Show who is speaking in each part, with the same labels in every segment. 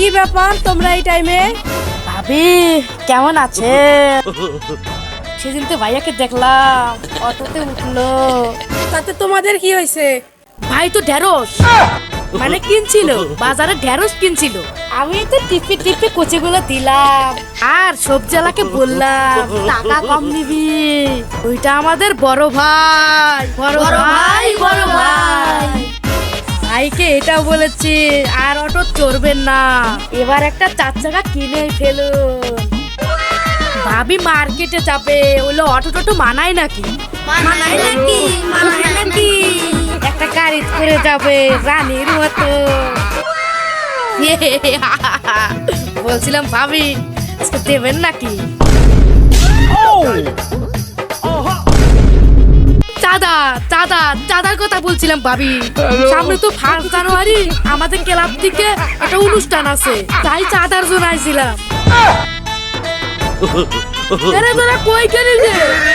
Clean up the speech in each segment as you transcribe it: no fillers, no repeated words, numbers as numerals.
Speaker 1: ব্যাপার তোমরা এই টাইমে?
Speaker 2: ভাবি কেমন আছে? সেদিন তো ভাইয়াকে দেখলাম অটোতে উঠলো।
Speaker 1: তাতে তোমাদের কি হয়েছে?
Speaker 2: ভাই তো ঢেঁড়স মানে কিনছিল, বাজারে ঢেঁড়স কিনছিল। আমি তো টিপে টিপে কচিগুলো দিলাম আর সবজিওয়ালাকে বললাম টাকা কম নিবি। ওইটা আমাদের বড় ভাই, বড় ভাই, বড় ভাই। ভাইকে এটা বলেছি আর অটো চড়বেন না, এবার একটা 4 চাকা কিনে ফেলুন। ভাবি মার্কেটে যাবে, ওইলো অটো টোটো মানায় নাকি? মানায় নাকি? মানায় নাকি? একটা গাড়ি করে যাবে রানীর মতো। বলছিলাম ভাবি আজকে দেবেন নাকি? চাঁদা চাঁদা চাঁদার কথা বলছিলাম ভাবি। সামনে তো 1 জানুয়ারি আমাদের ক্লাব থেকে একটা অনুষ্ঠান আছে, তাই চাঁদার জন্য আইছিলাম। আরে তোরা কই গেলি রে?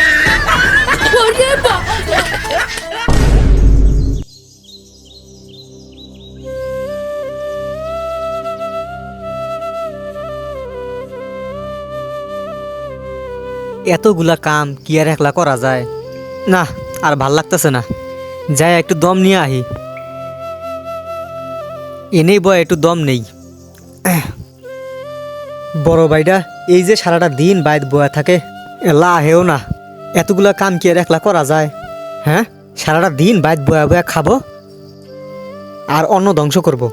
Speaker 3: এতগুলা কাম কি আর একলা করা যায়? না আর ভাল লাগতেছে না, যাই একটু দম নিয়ে আহি। এনেই বয় একটু দম নেই। বড় ভাইটা এই যে সারাটা দিন বাইরে বয়া থাকে, এলা আহেও না। এতগুলা কাম কি আর একলা করা যায়? হ্যাঁ, সারাটা দিন বাইরে বয়া বয়া খাবো আর অন্ন ধ্বংস করবো।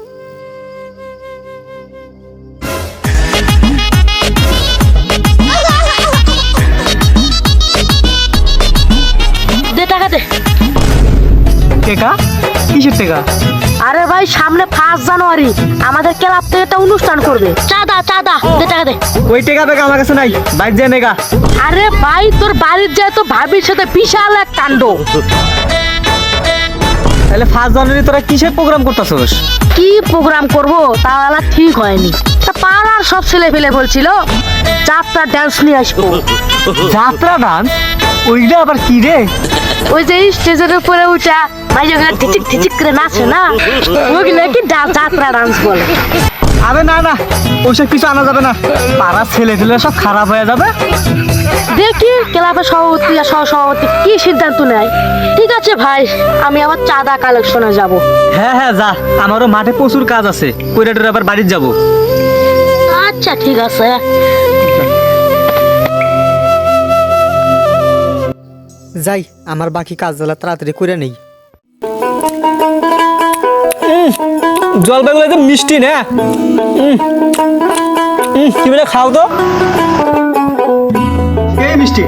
Speaker 2: টাকা দে।
Speaker 3: টেকা? কিসের টেকা?
Speaker 2: আরে ভাই সামনে 1 জানুয়ারি আমাদের ক্লাব থেকে একটা অনুষ্ঠান করবে, চাঁদা চাঁদা দে, টাকা দে।
Speaker 3: ওই টেকা বেকা আমার কাছে নাই, বাইর যায় নেগা।
Speaker 2: আরে ভাই তোর বাড়ির যায় তো ভাবির সাথে বিশাল এক কাণ্ড।
Speaker 3: তাহলে 1 জানুয়ারি তোরা কিসের প্রোগ্রাম করতেছস?
Speaker 2: কি প্রোগ্রাম করব তাহলে ঠিক হয়নি। তা পাড়ার সব ছেলে ফেলে বলছিল যাত্রা ডান্স নিয়ে আসবো।
Speaker 3: যাত্রা ডান্স? ওইটা আবার কি রে?
Speaker 2: ওই যে স্টেজের উপরে উঠা ভাইয়া টিচিক টিচিক করে নাচে না, ওগুলো কি যাত্রা ডান্স বলে।
Speaker 3: আরে না না, ওইসব কিছু আনা যাবে না, পাড়ার ছেলে ফেলে সব খারাপ হয়ে যাবে।
Speaker 2: দেখি ক্লাবের সভাপতি আর সহসভাপতি কি সিদ্ধান্ত নেয়। ঠিক আছে ভাই, আমি আবার চাঁদা কালেকশনে যাব।
Speaker 3: হ্যাঁ হ্যাঁ যা, আমারও মাঠে প্রচুর কাজ আছে, কইরা টরে আবার বাড়ি যাব।
Speaker 2: আচ্ছা ঠিক আছে।
Speaker 3: যাই, আমার বাকি কাজগুলো তাড়াতাড়ি করে নেই। জলপাইগুলো তো মিষ্টি না, কি বলে খাও তো এই মিষ্টি।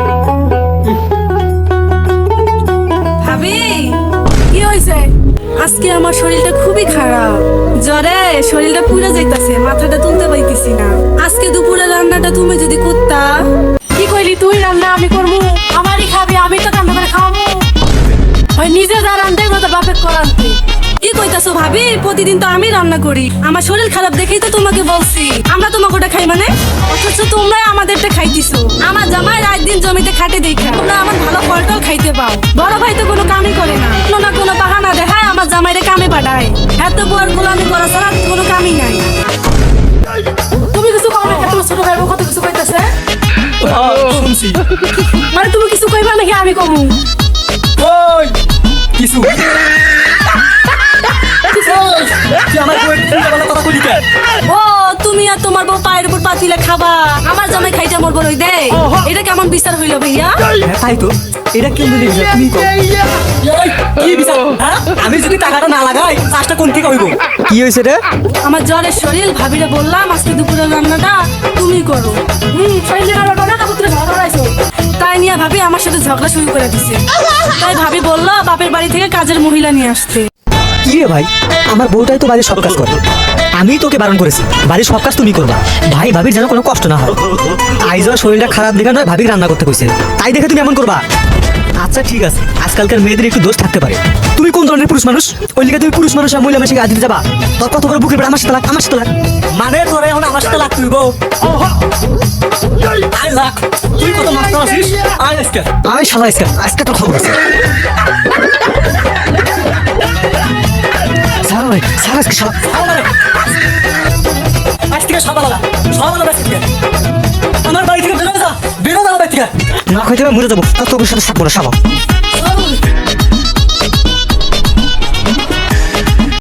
Speaker 1: ভাবি কি হয়েছে? আজকে আমার শরীরটা খুবই খারাপ, জ্বরে শরীরটা পুড়ে যাইতাছে, মাথাটা তুলতে পাইতেছি না। আজকে দুপুরে রান্নাটা তুমি যদি করতা। কি কইলি তুই? রান্না আমি করবো? আমারই খাবি, আমি তো রান্না করে খাওয়াবো। ওই নিজে যা রান্না তো বাপে করান্তি। কি কইতাছো ভাবি? প্রতিদিন তো আমি রান্না করি, আমার শরীর খারাপ দেখেই তো তোমাকে বলছি আমরা তোমাকে ওটা খাই মানে, অথচ তোমরাই আমাদেরটা খাইতিছো। আমার জামাই রাত দিন জমিতে খাটে দেখা তোমরা আমার ভালো ফলটাও খাইতে পাও। বড় ভাই তো কোনো কামই করে না, কোনো না কোনো বাহানা দেখায় আমার জামাইরে কামে পাঠায়। এত বড় গোলামি করা ছাড়া কোনো কামই নাই। তুমি কিছু কও না, তোমার ছোট ভাই কত কিছু কইতাছে।
Speaker 3: শুনছি,
Speaker 1: মানে তুমি কিছু কইবা নাকি আমি কমু?
Speaker 3: ওই কিছু
Speaker 1: ও তুমি আর তোমার বউ পায়ের উপর পাতিলে খাবা, আমার জামাই খাইটা মরবো রই দে। এটা কেমন বিচার হইল ভাইয়া?
Speaker 3: তাই তো, এটা কেন তুমি কি বিচার? আমি যদি টাকাটা না লাগাই কাজটা কোন থেকে হইব? কি হয়েছে রে?
Speaker 1: আমার জ্বরের শরীর, ভাবিরে বললাম আজকে দুপুরের রান্নাটা তুমি করো। শরীরে রান্নাটা না কাপড় ঝগড়া রাইছো, তাই নিয়ে ভাবি আমার সাথে ঝগড়া শুরু করে দিছে। তাই ভাবি বললো বাপের বাড়ি থেকে কাজের মহিলা নিয়ে আসতে।
Speaker 3: কি রে ভাই, আমার বউটাই তো বাড়ির সব কাজ করে, আমি তোকে বারণ করেছি বাড়ির সব কাজ তুমি করবা, ভাই ভাবির যেন কোনো কষ্ট না হয়। আইজর শরীরটা খারাপ দেখে নয় ভাবির রান্না করতে কইছে, তাই দেখে তুমি এমন করবা? আচ্ছা ঠিক আছে, আজকালকার মেয়েদের একটু দোষ থাকতে পারে। তুমি কোন ধরনের পুরুষ মানুষ? ওই লিগে তুমি পুরুষ মানুষ আর মহিলা মানুষকে দিতে যাবা? তোর কত বড় বুকের আমার সাথে লাগ, আমার সাথে লাগ, মানে তোরে এখন আমার সাথে লাগ তুইব। তুই কত মাস্টার আছিস? আমি শালা আজকে তোর খবর আছে। স্যার আজকে শালা আজ থেকে সব আলাদা আজকে থেকে। আমার বাড়ি থেকে বেরো যা আমার বাড়ি থেকে। না খাইতে মরে যাবো তোর সাথে থাকবো না সাবা।